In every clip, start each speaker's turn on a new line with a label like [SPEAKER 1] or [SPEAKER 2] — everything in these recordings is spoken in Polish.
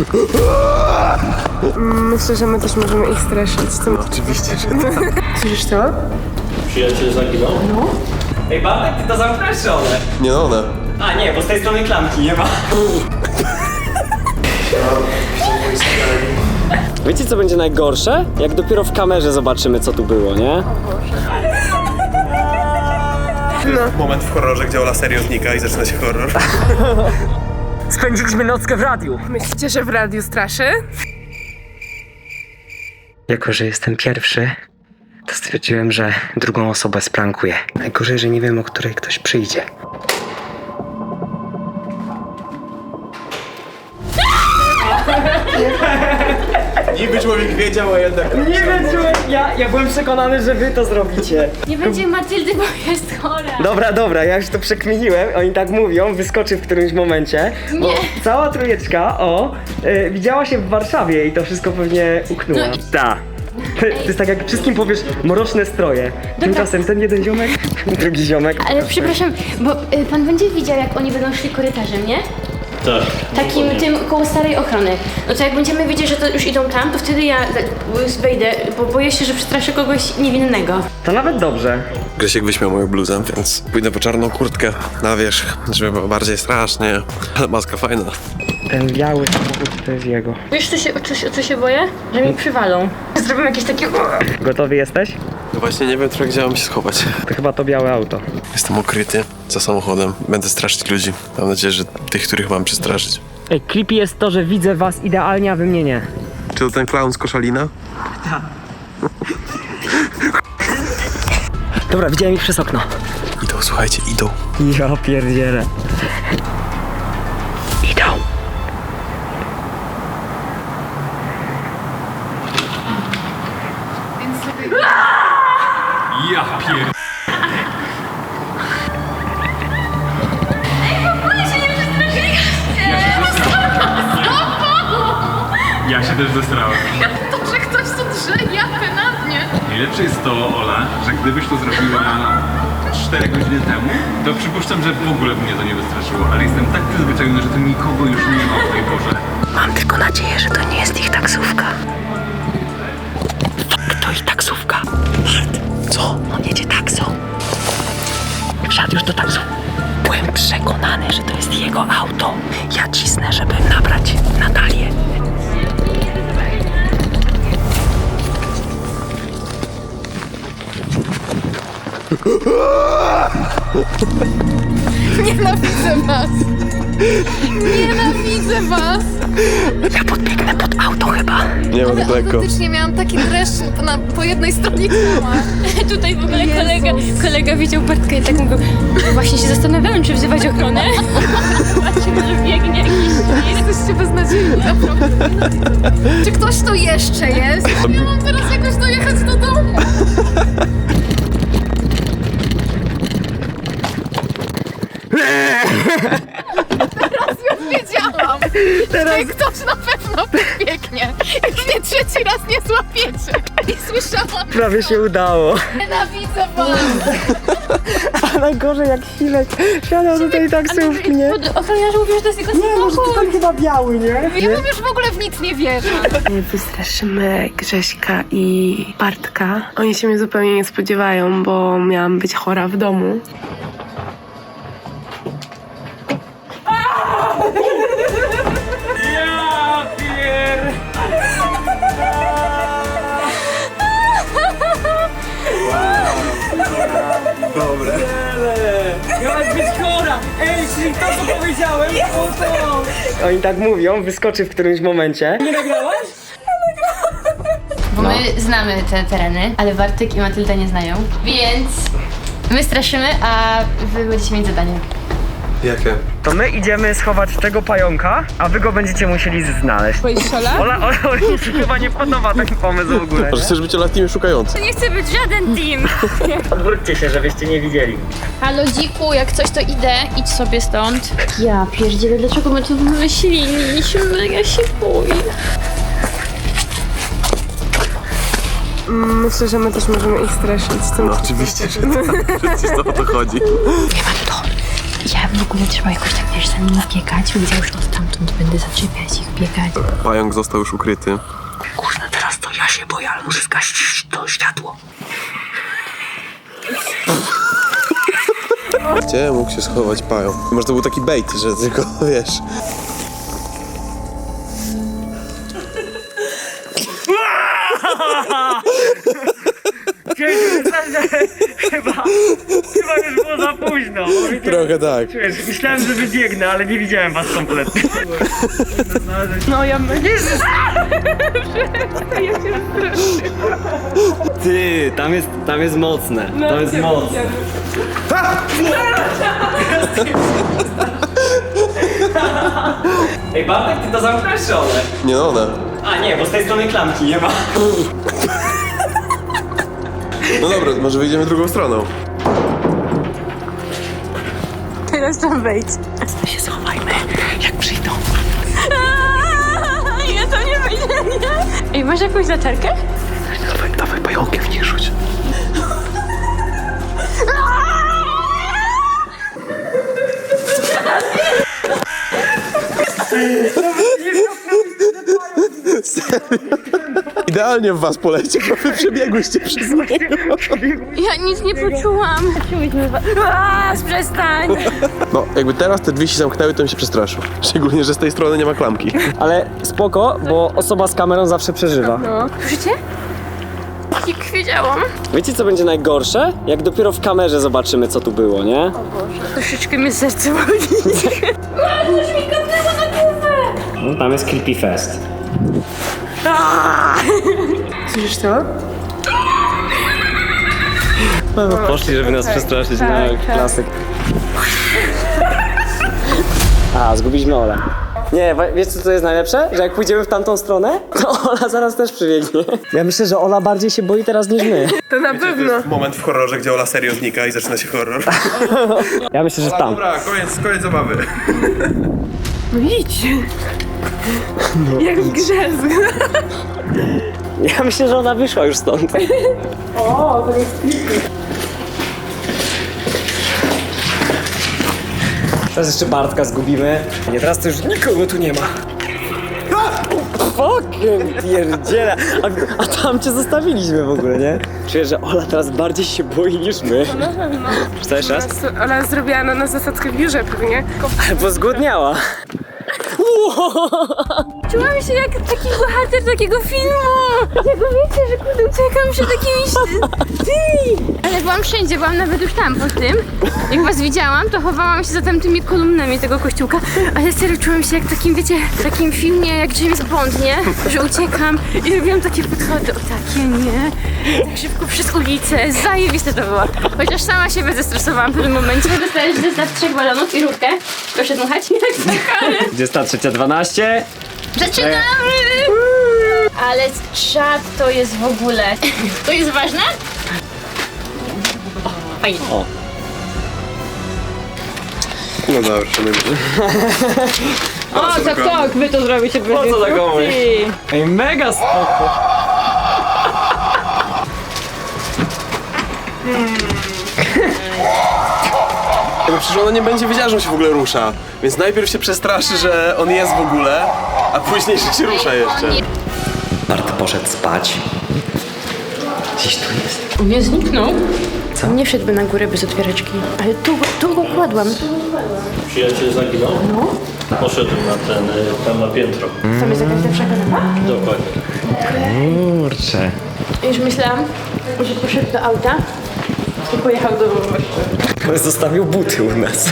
[SPEAKER 1] Myślę, że my też możemy ich straszyć.
[SPEAKER 2] No, oczywiście, że tak.
[SPEAKER 1] Słyszysz to?
[SPEAKER 3] Przyjaciel zaginął? No. Ej, Bartek, ty to zamknąłeś czy one?
[SPEAKER 2] Nie one.
[SPEAKER 3] A nie, bo z tej strony klamki nie ma. Wiecie co będzie najgorsze? Jak dopiero w kamerze zobaczymy co tu było, nie?
[SPEAKER 2] Moment w horrorze, gdzie Ola serio znika i zaczyna się horror.
[SPEAKER 3] Spędziliśmy nockę w radiu.
[SPEAKER 1] Myślicie, że w radiu straszy?
[SPEAKER 3] Jako, że jestem pierwszy, to stwierdziłem, że drugą osobę sprankuję. Najgorzej, że nie wiem, o której ktoś przyjdzie.
[SPEAKER 2] Niby człowiek wiedział, a jednak...
[SPEAKER 3] Nie wiem, ja byłem przekonany, że wy to zrobicie.
[SPEAKER 4] Nie będzie Matyldy, bo jest chora.
[SPEAKER 3] Dobra, ja już to przekminiłem, oni tak mówią, wyskoczy w którymś momencie. Bo cała trójeczka, widziała się w Warszawie i to wszystko pewnie uknęła.
[SPEAKER 4] No
[SPEAKER 3] Tak. To jest tak jak wszystkim powiesz mroczne stroje. Tymczasem ten jeden ziomek, drugi ziomek.
[SPEAKER 4] Ale przepraszam, bo pan będzie widział, jak oni będą szli korytarzem, nie?
[SPEAKER 3] Tak.
[SPEAKER 4] Takim tym koło starej ochrony. No to jak będziemy wiedzieć, że to już idą tam, to wtedy ja wejdę, bo boję się, że przestraszę kogoś niewinnego.
[SPEAKER 3] To nawet dobrze.
[SPEAKER 2] Grzesiek wyśmiał moją bluzę, więc pójdę po czarną kurtkę na wierzch, żeby było bardziej strasznie. Ale maska fajna.
[SPEAKER 3] Ten biały samochód to jest jego.
[SPEAKER 4] Wiesz, o co się boję? Że mi przywalą. Zrobią jakieś takie...
[SPEAKER 3] Gotowy jesteś?
[SPEAKER 2] No właśnie nie wiem trochę, gdzie mam się schować.
[SPEAKER 3] To chyba to białe auto.
[SPEAKER 2] Jestem ukryty za samochodem. Będę straszyć ludzi. Mam nadzieję, że tych, których mam przestraszyć.
[SPEAKER 3] Ej, creepy jest to, że widzę was idealnie, a wy mnie nie.
[SPEAKER 2] Czy to ten clown z Koszalina?
[SPEAKER 3] Dobra, widziałem ich przez okno.
[SPEAKER 2] Idą, słuchajcie, idą.
[SPEAKER 3] Ja pierdzielę. Idą.
[SPEAKER 5] Ja pier... Ja się też zestrałem.
[SPEAKER 1] To, że ktoś tu drze japę na mnie.
[SPEAKER 5] Najlepsze jest to, Ola, że gdybyś to zrobiła 4 godziny temu, to przypuszczam, że w ogóle by mnie to nie wystraszyło, ale jestem tak przyzwyczajony, że tu nikogo już nie ma w tej porze.
[SPEAKER 6] Mam tylko nadzieję, że to nie jest ich taksówka. To ich taksówka. Co? On jedzie taksą. Wsiadł już do taksu. Byłem przekonany, że to jest jego auto. Ja cisnę, żeby nabrać Natalię.
[SPEAKER 1] Nienawidzę was. Nienawidzę was.
[SPEAKER 6] Ja podbiegnę pod auto chyba.
[SPEAKER 2] Nie mam tak lekko.
[SPEAKER 1] Autentycznie miałam taki dreszcz po jednej stronie ciała.
[SPEAKER 4] Tutaj w ogóle kolega widział Bartka i tak mówił, właśnie się zastanawiałem, czy wzywać ochronę. Zobaczymy, że biegnie jakiś świr.
[SPEAKER 1] Jesteście beznadziejni, naprawdę. Czy ktoś tu jeszcze jest? Ja mam teraz jakoś dojechać do domu. Teraz już wiedziałam, że ktoś na pewno biegnie. Jak mnie trzeci raz nie złapiecie. I słyszałam,
[SPEAKER 3] Prawie się udało.
[SPEAKER 1] nienawidzę was.
[SPEAKER 3] A najgorzej jak Chilek wsiadał do tej taksówki, nie?
[SPEAKER 4] Ochroniarz mówił, że to jest jego
[SPEAKER 3] Nie, może to
[SPEAKER 4] samochód.
[SPEAKER 3] tam chyba biały, nie?
[SPEAKER 1] Ja bym już w ogóle w nic nie wierzę.
[SPEAKER 7] Wystraszymy Grześka i Bartka. Oni się mnie zupełnie nie spodziewają, bo miałam być chora w domu.
[SPEAKER 3] Ja pier...
[SPEAKER 2] Dobre.
[SPEAKER 3] Miałaś być chora! Ej, czyli to co powiedziałem, to... Oni tak mówią, wyskoczy w którymś momencie. Nie nagrałaś?
[SPEAKER 4] Bo my znamy te tereny, ale Bartek i Matylda nie znają, więc my straszymy, a wy będziecie mieć zadanie.
[SPEAKER 2] Jakie?
[SPEAKER 3] To my idziemy schować tego pająka, a wy go będziecie musieli znaleźć. Ola mi się chyba nie podoba taki pomysł w ogóle.
[SPEAKER 2] Może chcesz być Olatkiem szukający?
[SPEAKER 4] Nie chcę być żaden team.
[SPEAKER 3] Odwróćcie się, żebyście nie widzieli.
[SPEAKER 4] Halo dziku, jak coś to idę, idź sobie stąd. Ja pierdzielę, dlaczego my to wymyśliliśmy? Ja się boję.
[SPEAKER 7] Myślę, że my też możemy ich straszyć.
[SPEAKER 2] No oczywiście, że tak. Przecież to o to chodzi.
[SPEAKER 6] Ja
[SPEAKER 4] w ogóle trzeba jakoś tak, wiesz, za nim biegać. Wiedział, że stamtąd będę zaczepiać ich, biegać.
[SPEAKER 2] Pająk został już ukryty.
[SPEAKER 6] Kurna, teraz to ja się boję, ale muszę zgasić to światło.
[SPEAKER 2] Gdzie mógł się schować pająk? Może to był taki bait, że tylko, wiesz...
[SPEAKER 3] Chyba już było za późno.
[SPEAKER 2] Trochę tak.
[SPEAKER 3] Myślałem, że wybiegnę, ale nie widziałem was kompletnie. No ja Jezus! Ty, tam jest mocne. To jest mocne. Ej, Bartek, ty to zamknąłeś czy one?
[SPEAKER 2] Nie no, one.
[SPEAKER 3] A nie, bo z tej strony klamki nie ma.
[SPEAKER 2] No dobra, może wyjdziemy drugą stroną.
[SPEAKER 4] Teraz tam wejdź.
[SPEAKER 6] To się schowajmy, jak przyjdą.
[SPEAKER 4] Ja to nie wyjdę, nie? Ej, masz jakąś zaczerkę?
[SPEAKER 6] Dawaj pająkiem, nie rzuć.
[SPEAKER 2] Idealnie w was poleciał, bo wy przebiegłyście przez niego.
[SPEAKER 4] Ja nic nie poczułam. Przestań!
[SPEAKER 2] No, jakby teraz te drzwi się zamknęły, to bym się przestraszył. Szczególnie, że z tej strony nie ma klamki.
[SPEAKER 3] Ale spoko, bo osoba z kamerą zawsze przeżywa.
[SPEAKER 4] No, słyszycie? Jak wiedziałam.
[SPEAKER 3] Wiecie co będzie najgorsze? Jak dopiero w kamerze zobaczymy co tu było, nie?
[SPEAKER 4] Troszeczkę mnie serce boli. Coś mi kapnęło na głowę!
[SPEAKER 3] No, tam jest Creepy Fest.
[SPEAKER 7] Słyszysz to?
[SPEAKER 3] No, poszli, żeby nas przestraszyć, no klasyk. A, zgubiliśmy Olę. Nie, wiesz co jest najlepsze? Że jak pójdziemy w tamtą stronę, to Ola zaraz też przybiegnie. Ja myślę, że Ola bardziej się boi teraz niż my.
[SPEAKER 7] To na pewno.
[SPEAKER 2] Moment w horrorze, gdzie Ola serio znika i zaczyna się horror.
[SPEAKER 3] Ja myślę, że tam.
[SPEAKER 2] Dobra, koniec zabawy.
[SPEAKER 7] No idź. Jak w grze.
[SPEAKER 3] Ja myślę, że ona wyszła już stąd.
[SPEAKER 7] O, to jest creepy.
[SPEAKER 3] Teraz jeszcze Bartka zgubimy. Nie, teraz to już nikogo tu nie ma. Fucking pierdziele. A tam cię zostawiliśmy w ogóle, nie? Czuję, że Ola teraz bardziej się boi niż my.
[SPEAKER 7] Na pewno.
[SPEAKER 3] Chcesz jeszcze raz?
[SPEAKER 7] Ona zrobiła na nas zasadzkę w biurze pewnie.
[SPEAKER 3] Bo zgłodniała.
[SPEAKER 4] Czułam się jak taki bohater takiego filmu. Jak wiecie, że kurde uciekam przed jakimiś tymi. Ale byłam wszędzie, byłam nawet już tam po tym. Jak was widziałam, to chowałam się za tamtymi kolumnami tego kościółka. Ale serio czułam się jak w takim, wiecie, w takim filmie jak James Bond, nie? Że uciekam i robiłam takie podchody. O takie, nie? Tak szybko przez ulicę. Zajebiste to było. Chociaż sama się bezestresowałam w pewnym momencie. Dostałeś zestaw 3 balonów i rurkę. Proszę dmuchać. Tak,
[SPEAKER 3] 23:12.
[SPEAKER 4] Zaczynamy! Ale czad to jest w ogóle. To jest ważne? Fajnie.
[SPEAKER 3] O.
[SPEAKER 2] No dobra, szanujmy się.
[SPEAKER 4] O, tak, wy to zrobicie bez
[SPEAKER 3] Po co tak mówisz? Ej, mega spoko.
[SPEAKER 2] Bo przecież ona nie będzie wiedziała, że on się w ogóle rusza. Więc najpierw się przestraszy, że on jest w ogóle, a później, że się rusza jeszcze.
[SPEAKER 6] Bart poszedł spać. Gdzieś tu jest.
[SPEAKER 4] Nie zniknął. Co? Nie wszedłby na górę bez otwieraczki. Ale tu go kładłam.
[SPEAKER 8] Przyjaciel zaginął? No. Poszedł na tam na piętro.
[SPEAKER 4] Tam jest jakaś lepsza kanapa?
[SPEAKER 8] Dokładnie.
[SPEAKER 3] Kurczę.
[SPEAKER 4] Już myślałam, że poszedł do auta i pojechał do Warszawy.
[SPEAKER 3] Zostawił buty u nas.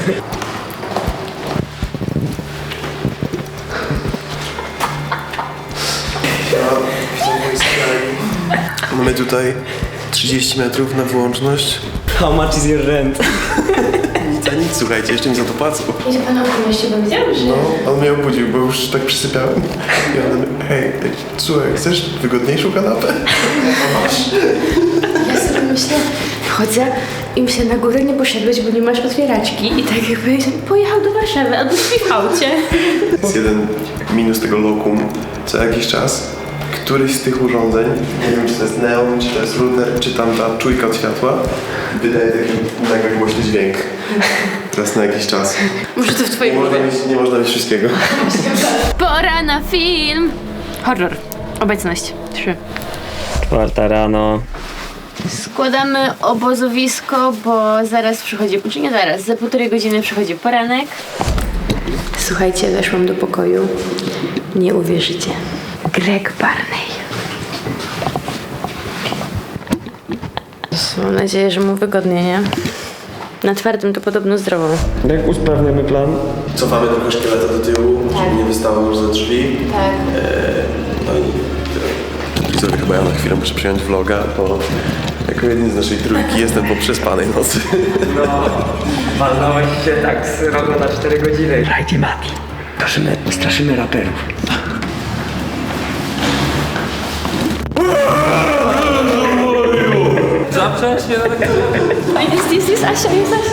[SPEAKER 2] Mamy tutaj 30 metrów na wyłączność.
[SPEAKER 3] How much is your rent?
[SPEAKER 2] Nic a nic, słuchajcie, jeszcze mi za to płacą.
[SPEAKER 4] I że pan opowieści powiedział, że...
[SPEAKER 2] No, on mnie obudził, bo już tak przysypiałem. I on, hej, słuchaj, chcesz wygodniejszą kanapę?
[SPEAKER 4] Ja sobie myślę, chodzę i myślę, na górę nie poszedłeś, bo nie masz otwieraczki. I tak jakby pojechał do Warszawy albo śpi w aucie.
[SPEAKER 2] Jest jeden minus tego lokum. Co jakiś czas któryś z tych urządzeń, nie wiem czy to jest neon, czy to jest router, czy tam ta czujka od światła, wydaje taki mega głośny dźwięk. Teraz na jakiś czas.
[SPEAKER 4] Może to w twojej głowie.
[SPEAKER 2] Nie można mieć wszystkiego.
[SPEAKER 4] Pora na film! Horror. Obecność. 3.
[SPEAKER 3] 4 rano.
[SPEAKER 4] Składamy obozowisko, bo zaraz przychodzi, czy nie zaraz, za 1,5 godziny przychodzi poranek. Słuchajcie, weszłam do pokoju. Nie uwierzycie. Greg Barney. Mam nadzieję, że mu wygodnie, nie? Na twardym to podobno zdrowo.
[SPEAKER 3] Jak usprawniamy plan?
[SPEAKER 2] Cofamy tylko szkieleta do tyłu, żeby nie wystawał już za drzwi.
[SPEAKER 4] Tak.
[SPEAKER 2] No i tyle. Widzowie, chyba ja na chwilę muszę przyjąć vloga, bo jako jedyny z naszej trójki jestem po przespanej nocy.
[SPEAKER 3] Walnąłeś się tak z rogu na 4 godziny.
[SPEAKER 6] Słuchajcie, Mati, straszymy raperów.
[SPEAKER 4] Jest Asia, jest Asia.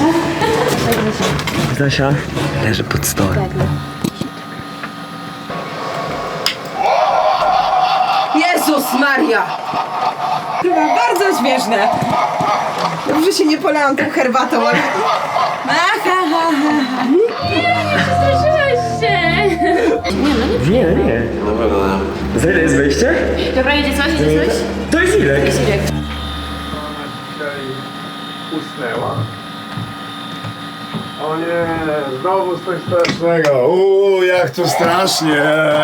[SPEAKER 3] Zasia leży pod stołem.
[SPEAKER 9] Jezus Maria! Chyba bardzo śmieszne. Dobrze się nie polałam tą herbatą, ale...
[SPEAKER 4] Straszyłaś się!
[SPEAKER 3] Nie.
[SPEAKER 2] Na pewno nie.
[SPEAKER 3] Za ile jest wejście?
[SPEAKER 4] Dobra, idzie coś?
[SPEAKER 3] To jest ile?
[SPEAKER 10] Usnęła. O nie, znowu coś strasznego. Jak to strasznie.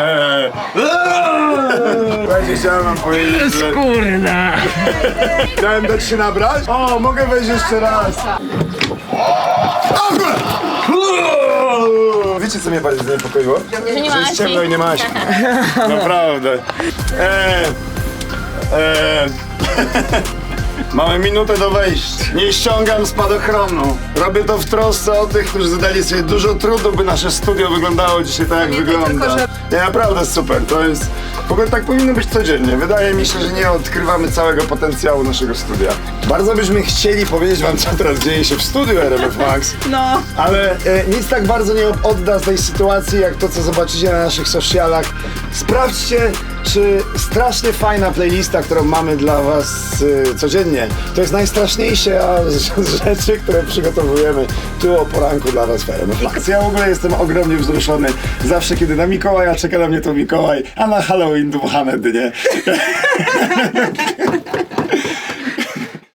[SPEAKER 10] Będzie chciałem wam powiedzieć, że...
[SPEAKER 3] Kurna!
[SPEAKER 10] Chciałem dać się nabrać? O, mogę wejść jeszcze raz. Wiecie, co mnie bardziej zaniepokoiło?
[SPEAKER 4] Że nie ma
[SPEAKER 10] Że jest
[SPEAKER 4] Asi.
[SPEAKER 10] ciemno i nie ma Asi. Naprawdę. Mamy minutę do wejścia. Nie ściągam spadochronu. Robię to w trosce o tych, którzy zadali sobie dużo trudu, by nasze studio wyglądało dzisiaj tak, jak wygląda. Nie, naprawdę super. To jest... W ogóle tak powinno być codziennie. Wydaje mi się, że nie odkrywamy całego potencjału naszego studia. Bardzo byśmy chcieli powiedzieć wam, co teraz dzieje się w studiu RMF Max.
[SPEAKER 9] No.
[SPEAKER 10] Ale nic tak bardzo nie odda z tej sytuacji, jak to, co zobaczycie na naszych socialach. Sprawdźcie, czy strasznie fajna playlista, którą mamy dla was codziennie, to jest najstraszniejsze z rzeczy, które przygotowujemy tu o poranku dla was w RMF Max. Ja w ogóle jestem ogromnie wzruszony. Zawsze, kiedy na Mikołaja czeka na mnie to Mikołaj, a na Halloween dmuchane dnie.